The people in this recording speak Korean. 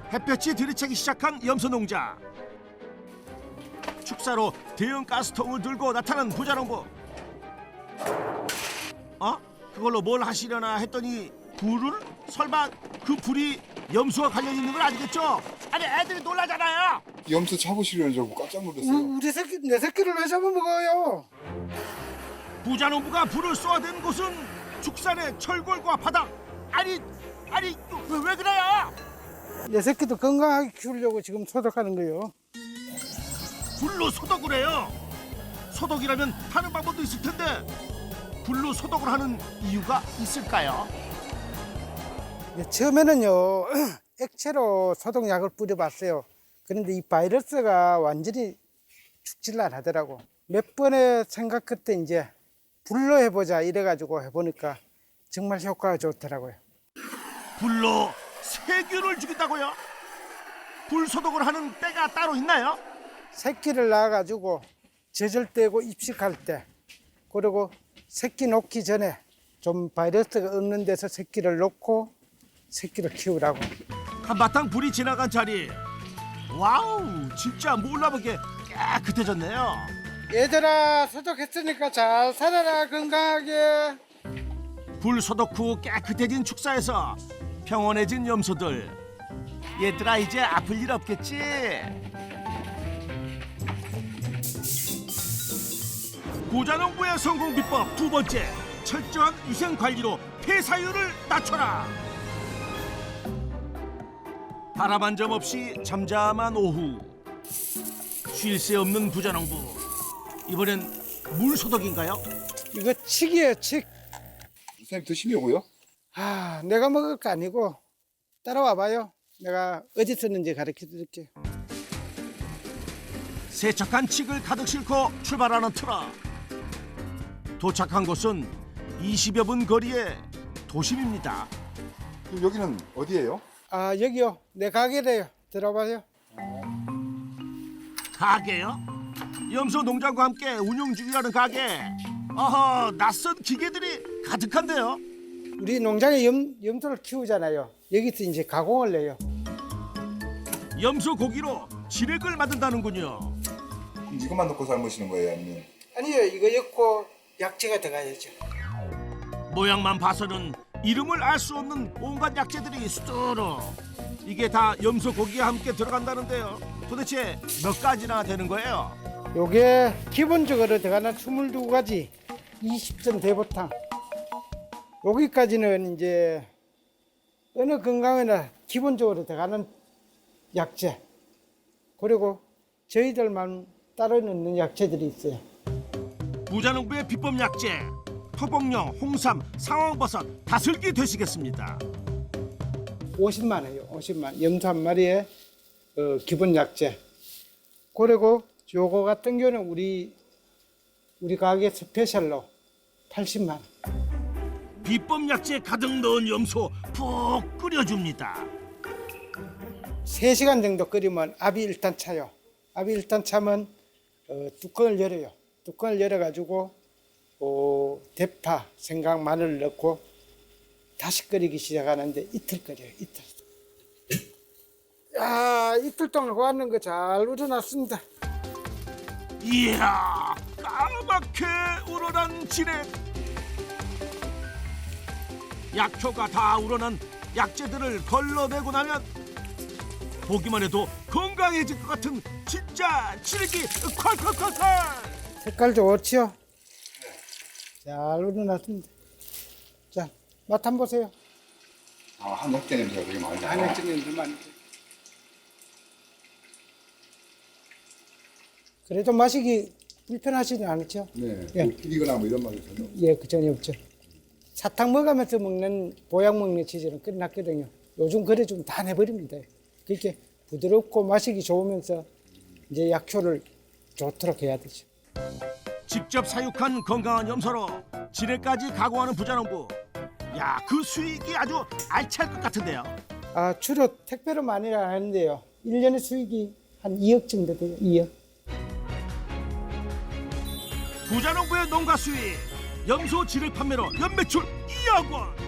햇볕이 들이차기 시작한 염소 농장. 축사로 대형 가스통을 들고 나타난 부자농부. 그걸로 뭘 하시려나 했더니 불을? 설마 그 불이 염소와 관련 있는 건 아니겠죠? 아니 애들이 놀라잖아요. 염소 잡으시려는 줄 알고 깜짝 놀랐어요. 내 새끼를 왜 잡아먹어요? 부자농부가 불을 쏘아댄 곳은 축산의 철골과 바닥. 아니 왜 그래요? 내 새끼도 건강하게 키우려고 지금 소독하는 거예요. 불로 소독을 해요. 소독이라면 다른 방법도 있을 텐데 불로 소독을 하는 이유가 있을까요? 처음에는요 액체로 소독약을 뿌려봤어요. 그런데 이 바이러스가 완전히 죽질 안 하더라고. 몇 번의 생각 끝에 이제 불로 해보자 이래가지고 해보니까 정말 효과가 좋더라고요. 불로 세균을 죽인다고요? 불 소독을 하는 때가 따로 있나요? 새끼를 낳아가지고 젖을 떼고 입식할 때, 그리고 새끼 놓기 전에 좀 바이러스가 없는 데서 새끼를 놓고 새끼를 키우라고. 한바탕 불이 지나간 자리. 와우, 진짜 몰라보게 깨끗해졌네요. 얘들아, 소독했으니까 잘 살아라, 건강하게. 불 소독 후 깨끗해진 축사에서 평온해진 염소들. 얘들아, 이제 아플 일 없겠지? 부자농부의 성공 비법 두 번째, 철저한 위생 관리로 폐사율을 낮춰라. 바람 한 점 없이 잠잠한 오후. 쉴 새 없는 부자농부. 이번엔 물 소독인가요? 이거 칡이에요, 칡. 선생님 드시려고요? 내가 먹을 거 아니고 따라와봐요. 내가 어디 썼는지 가르쳐 드릴게요. 세척한 칡을 가득 싣고 출발하는 트럭. 도착한 곳은 20여 분 거리의 도심입니다. 그럼 여기는 어디예요? 여기요. 내 가게래요. 들어봐요. 가게요? 염소 농장과 함께 운영 중이라는 가게. 어허, 낯선 기계들이 가득한데요. 우리 농장에 염소를 키우잖아요. 여기서 이제 가공을 해요. 염소 고기로 지렉을 만든다는군요. 이것만 넣고 삶으시는 거예요, 아니면? 아니요, 이거 엮고 약재가 들어가야죠. 모양만 봐서는 이름을 알 수 없는 온갖 약재들이 수두룩. 이게 다 염소 고기와 함께 들어간다는데요. 도대체 몇 가지나 되는 거예요? 요게 기본적으로 들어가는 22가지 20점 대보탕. 여기까지는 이제 어느 건강에나 기본적으로 들어가는 약재. 그리고 저희들만 따로 넣는 약재들이 있어요. 부자농부의 비법 약재. 토복령, 홍삼, 상황버섯, 다슬기 되시겠습니다. 50만 원이에요. 50만. 염소 한 마리에 기본 약재. 그리고 요거 같은 경우는 우리 가게 스페셜로 80만 원. 비법 약재 가득 넣은 염소 푹 끓여줍니다. 3시간 정도 끓이면 압이 일단 차요. 압이 일단 차면 뚜껑을 열어요. 뚜껑을 열어가지고 대파, 생강, 마늘을 넣고 다시 끓이기 시작하는데 이틀 끓여요. 이틀. 이틀 동안 구하는 거 잘 우러났습니다. 이야, 까맣게 우러난 지렉. 약효가 다 우러난 약재들을 걸러내고 나면 보기만 해도 건강해질 것 같은 진짜 지렉이 콸콸콸콸. 색깔 좋지요? 잘 우러났습니다. 자, 맛 한번 보세요. 한 약재 냄새가 되게 많이 나요. 안에 찌는 많이. 그래도 마시기 불편하지는 않죠? 네. 예. 비리거나 뭐 이런 말이 전혀 없어요. 예, 그 전혀 없죠. 사탕 먹으면서 먹는 보약 먹는 치즈는 끝났거든요. 요즘 그래 좀 다 내버립니다. 그렇게 부드럽고 마시기 좋으면서 이제 약효를 좋도록 해야 되죠. 직접 사육한 건강한 염소로 지뢰까지 가공하는 부자농부. 야, 그 수익이 아주 알찰 것 같은데요. 주로 택배로 많이 하는데요. 1년에 수익이 한 2억 정도 돼요. 2억. 부자농부의 농가 수익. 염소 지뢰 판매로 연매출 2억 원.